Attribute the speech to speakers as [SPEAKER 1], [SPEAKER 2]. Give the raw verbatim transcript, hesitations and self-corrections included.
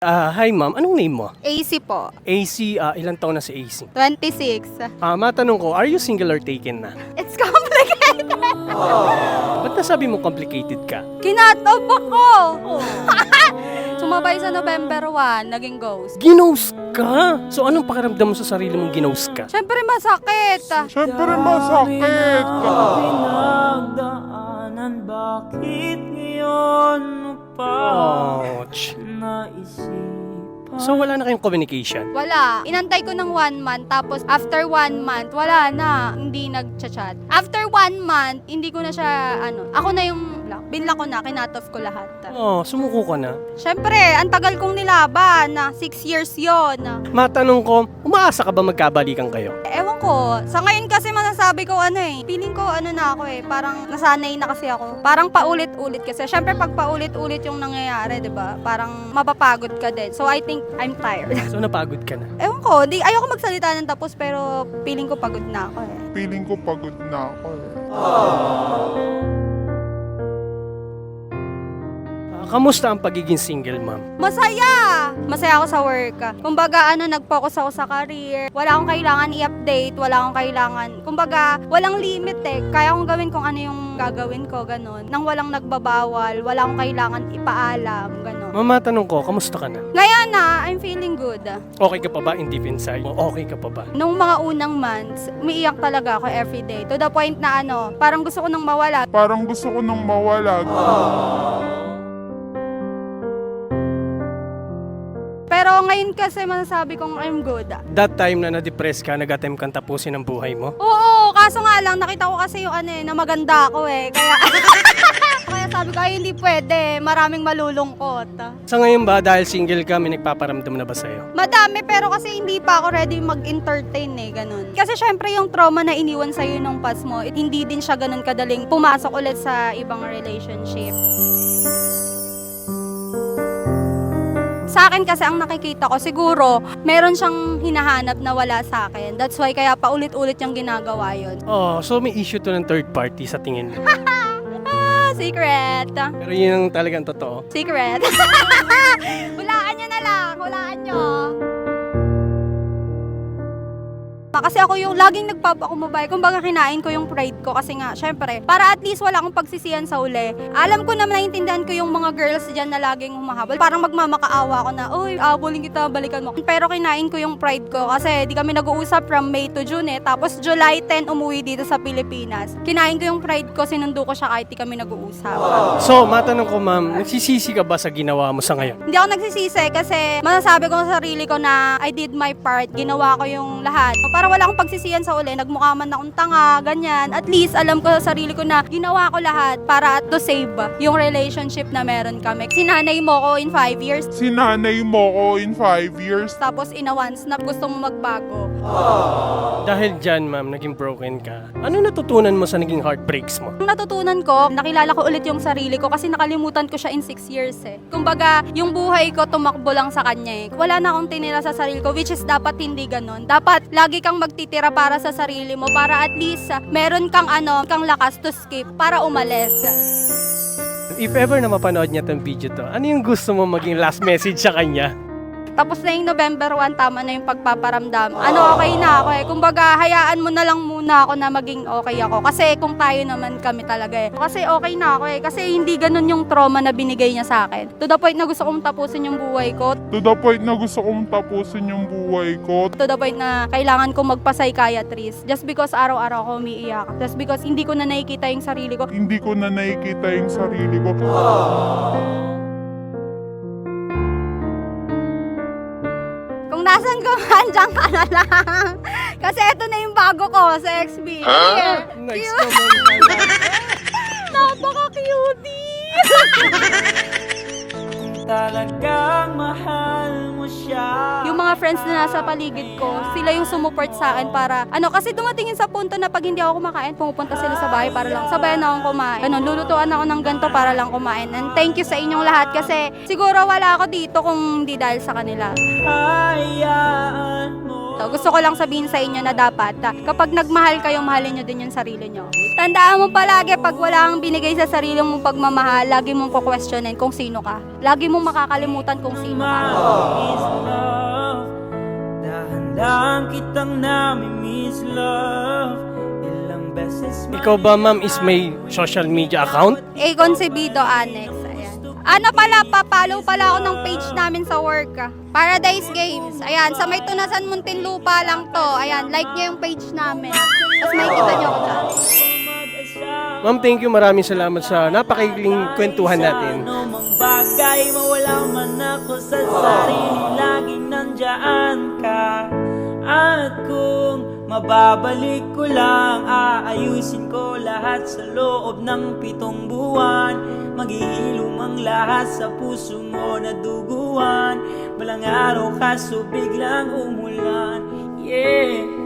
[SPEAKER 1] Ah, hi ma'am. Anong name mo?
[SPEAKER 2] A C po.
[SPEAKER 1] A C, ah, ilang taon na si A C?
[SPEAKER 2] twenty-six.
[SPEAKER 1] Ah, matanong ko, are you single or taken na?
[SPEAKER 2] It's complicated.
[SPEAKER 1] Ba't nasabi mo complicated ka?
[SPEAKER 2] Kinatob ako. Sumabay sa November one, naging ghost.
[SPEAKER 1] Ginost ka? So anong pakiramdam mo sa sarili mong ginost ka?
[SPEAKER 2] Siyempre masakit.
[SPEAKER 3] Siyempre masakit.
[SPEAKER 4] Pinagdaanan, bakit ngayon mo pa
[SPEAKER 1] Ouch.
[SPEAKER 4] naisipan?
[SPEAKER 1] So wala na kayong communication?
[SPEAKER 2] Wala. Inantay ko ng one month, tapos after one month, wala na. Hindi nag-chat. After one month, hindi ko na siya, ano, ako na yung, binla ko na, kinatoff ko lahat.
[SPEAKER 1] Oh, sumuko ka na.
[SPEAKER 2] Siyempre, ang tagal kong nilaban, na six years yon.
[SPEAKER 1] Matanong ko, umaasa ka ba magkabalikan kayo?
[SPEAKER 2] Ewan ko, sa ngayon kasi masasabi ko ano eh, feeling ko ano na ako eh, parang nasanay na kasi ako. Parang paulit-ulit kasi. Siyempre pag paulit-ulit yung nangyayari, 'di ba? Parang mapapagod ka din. So I think I'm tired.
[SPEAKER 1] So napagod ka na.
[SPEAKER 2] Ewan ko, di ayoko magsalita ng tapos pero feeling ko pagod na ako eh.
[SPEAKER 3] Feeling ko pagod na ako eh.
[SPEAKER 1] Ah, kamusta ang pagiging single, ma'am?
[SPEAKER 2] Masaya! Masaya ako sa work. Kumbaga, ano, nag-focus ako sa career. Wala akong kailangan i-update, wala akong kailangan. Kumbaga, walang limit eh. Kaya kong gawin kung ano yung gagawin ko, ganun. Nang walang nagbabawal, wala akong kailangan ipaalam, ganun.
[SPEAKER 1] Ma'am, matanong ko, kamusta ka na?
[SPEAKER 2] Ngayon na, I'm feeling good.
[SPEAKER 1] Okay ka pa ba in deep inside? O okay ka pa ba?
[SPEAKER 2] Nung mga unang months, umiiyak talaga ako everyday. To the point na ano, parang gusto ko nang mawala.
[SPEAKER 3] Parang gusto ko nang mawala.
[SPEAKER 2] Pero ngayon kasi masasabi kong I'm good.
[SPEAKER 1] That time na na-depress ka, nag-attempt kang tapusin ang buhay mo?
[SPEAKER 2] Oo, kaso nga lang, nakita ko kasi yung ano eh, na maganda ako eh. Kaya, kaya sabi ko, ay hindi pwede, maraming malulungkot.
[SPEAKER 1] Sa ngayon ba, dahil single ka, may nagpaparamdam na ba sa'yo?
[SPEAKER 2] Madami, pero kasi hindi pa ako ready mag-entertain eh, ganun. Kasi syempre yung trauma na iniwan sa'yo nung past mo, it, hindi din siya ganun kadaling pumasok ulit sa ibang relationship. Sa akin kasi ang nakikita ko, siguro, meron siyang hinahanap na wala sa akin. That's why kaya paulit-ulit yung ginagawa yun.
[SPEAKER 1] Oh, so may issue to ng third party sa tingin mo.
[SPEAKER 2] Ah, secret.
[SPEAKER 1] Pero yun ang talagang totoo.
[SPEAKER 2] Secret. Hulaan nyo na lang. Hulaan nyo. Kasi ako yung laging nagpapakumbabay. Kumbaga kinain ko yung pride ko kasi nga, syempre, para at least wala akong pagsisiyan sa uli. Alam ko na naiintindihan ko yung mga girls dyan na laging humahabol. Parang magmamakaawa ko na, uy, abulin kita, balikan mo. Pero kinain ko yung pride ko kasi di kami nag-uusap from May to June eh. Tapos July tenth umuwi dito sa Pilipinas. Kinain ko yung pride ko, sinundo ko siya kahit di kami nag-uusap.
[SPEAKER 1] So, matanong ko ma'am, nagsisisi ka ba sa ginawa mo sa ngayon?
[SPEAKER 2] Hindi ako nagsisisi kasi masasabi ko sa sarili ko na I did my part, ginawa ko yung lahat. Para wala akong pagsisiyan sa uli, nagmukha man akong tanga, ganyan. At least alam ko sa sarili ko na ginawa ko lahat para to save yung relationship na meron kami. Sinanay mo ko in five years,
[SPEAKER 3] Sinanay mo ko in five years.
[SPEAKER 2] tapos in a once na gusto mo magbago.
[SPEAKER 1] Dahil dyan ma'am, naging broken ka. Ano natutunan mo sa naging heartbreaks mo?
[SPEAKER 2] Ang natutunan ko, nakilala ko ulit yung sarili ko kasi nakalimutan ko siya in six years eh. Kumbaga, yung buhay ko tumakbo lang sa kanya eh. Wala na akong tinira sa sarili ko, which is dapat hindi ganun. Dapat lagi kang magtitira para sa sarili mo para at least uh, meron kang ano, kang lakas to skip para umalis.
[SPEAKER 1] If ever na mapanood niya tong video to, ano yung gusto mo maging last message sa kanya?
[SPEAKER 2] Tapos na yung November one, tama na yung pagpaparamdam. Ano, okay na ako eh. Kumbaga, hayaan mo na lang muna ako na maging okay ako. Kasi kung tayo naman kami talaga eh. Kasi okay na ako eh. Kasi hindi ganun yung trauma na binigay niya sa akin. To the point na gusto kong tapusin yung buhay ko.
[SPEAKER 3] To the point na gusto kong tapusin yung buhay ko.
[SPEAKER 2] To the point na kailangan kong magpa-psychiatrist. Just because araw-araw ako umiiyak. Just because hindi ko na nakikita yung sarili ko.
[SPEAKER 3] Hindi ko na nakikita yung sarili ko.
[SPEAKER 2] Kung nasan ka man, dyan ka na lang. Kasi eto na yung bago ko sa X B. Huh?
[SPEAKER 1] Nice
[SPEAKER 2] Cute.
[SPEAKER 1] naman.
[SPEAKER 2] Napaka-cutie!
[SPEAKER 4] Talagang mahal mo siya.
[SPEAKER 2] Yung mga friends na nasa paligid ko, sila yung sumuport sa akin para, ano, kasi dumatingin sa punto na pag hindi ako kumakain, pumupunta sila sa bahay para lang, sabayan akong kumain. Ano, lulutuan ako ng ganito para lang kumain. And thank you sa inyong lahat kasi siguro wala ako dito kung hindi dahil sa kanila.
[SPEAKER 4] Hayaan mo.
[SPEAKER 2] to. Gusto ko lang sabihin sa inyo na dapat, ah, kapag nagmahal kayo, mahalin nyo din yung sarili nyo. Tandaan mo palagi, pag wala kang binigay sa sarili mong pagmamahal, lagi mong kukwestiyonin kung sino ka. Lagi mong makakalimutan kung sino ka.
[SPEAKER 4] Is love. Dahan-dahan kitang nami-miss love. Ilang beses
[SPEAKER 1] Ikaw ba, ma'am, is may social media account?
[SPEAKER 2] A. Concebido Annex. Ayan. Ano pala, papalo pala ako ng page namin sa work. ah. Paradise Games. Ayan, sa may Tunasan Muntinlupa lang to. Ayan, like nyo yung page namin. Tapos makikita nyo ako dyan.
[SPEAKER 1] Ma'am, thank you. Maraming salamat sa napakaikling kwentuhan natin.
[SPEAKER 4] Ano mang bagay, mawala man ako sa sarili, laging nandyan ka. At kung mababalik ko lang, aayusin ko lahat sa loob ng pitong buwan. Maghihilom ang lahat sa puso mo na duguan. Walang araw kaso biglang umulan. Yeah.